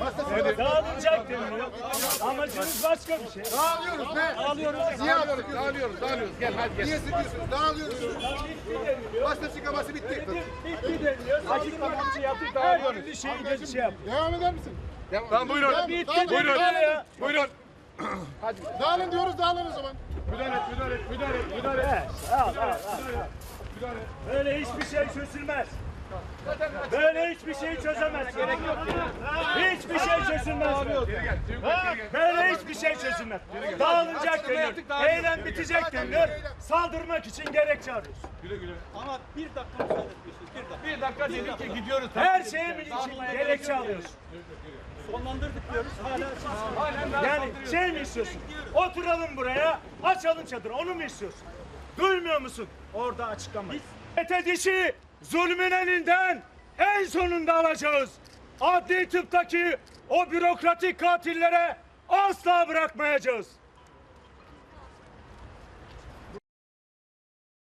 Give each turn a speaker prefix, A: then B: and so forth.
A: Dağılacak deniliyor. Amacınız başka bir şey.
B: Dağılıyoruz be. Dağılıyoruz. Gel hadi gel. Niye sıkıyorsunuz? Dağılıyoruz. Basın açıklaması bitti.
A: Bitti deniliyor. Açıklamanızı yaptık. Dağılıyoruz. Bir şeyi şey yap.
B: Devam eder misin?
C: Tamam buyurun. Buyurun.
B: Hadi. Dağılın diyoruz, dağılın o zaman.
C: Müdahale et.
A: Al. Böyle hiçbir şey çözülmez. Böyle hiçbir şey çözemez. Gerek yok. Hiçbir şey çözülmez. Böyle hiçbir şey çözülmez. Dağılacak denir. Eylem bitecek denir. Saldırmak için gerekçe arıyoruz.
D: Ama bir dakika müsaade etmiyorsunuz.
C: Bir dakika dedik ki gidiyoruz.
A: Her şeyin için gerekçe alıyoruz.
D: Sonlandırdık diyoruz. Hala
A: Yani şey mi istiyorsun? Oturalım buraya, açalım çadırı. Onu mu istiyorsun? Duymuyor musun? Orada açıklama. Dişi zulmün elinden en sonunda alacağız. Adli tıptaki o bürokratik katillere asla bırakmayacağız.